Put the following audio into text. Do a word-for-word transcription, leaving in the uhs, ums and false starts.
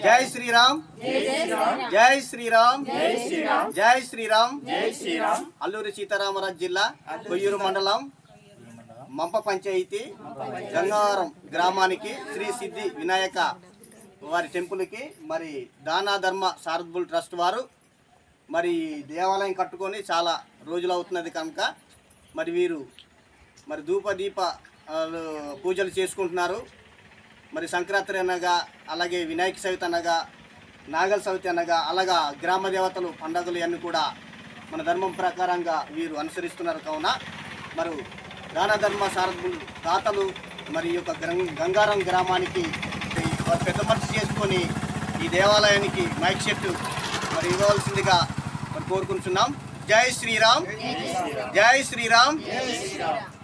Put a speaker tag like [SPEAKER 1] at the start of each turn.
[SPEAKER 1] జై శ్రీరామ్ జై శ్రీరామ్ జై శ్రీరామ్ అల్లూరి సీతారామరాజు జిల్లా కొయ్యూరు మండలం మంప పంచాయతీ గంగారం గ్రామానికి శ్రీ సిద్ధి వినాయక వారి టెంపుల్కి మరి దానా ధర్మ చారిటబుల్ ట్రస్ట్ వారు మరి దేవాలయం కట్టుకొని చాలా రోజులు అవుతున్నది కనుక మరి వీరు మరి ధూప దీప పూజలు చేసుకుంటున్నారు. మరి సంక్రాంతి అనగా అలాగే వినాయక చవితి అనగా నాగల చవితి అనగా అలాగా గ్రామ దేవతలు పండుగలు అన్నీ కూడా మన ధర్మం ప్రకారంగా వీరు అనుసరిస్తున్నారు. కావున మరి దాన ధర్మ సారథులు దాతలు మరి ఈ యొక్క గంగారం గ్రామానికి పెద్ద మనసు చేసుకొని ఈ దేవాలయానికి మైక్ సెట్ మరి ఇవ్వవలసిందిగా మరి కోరుకుంటున్నాం. జై శ్రీరామ్ జై శ్రీరామ్.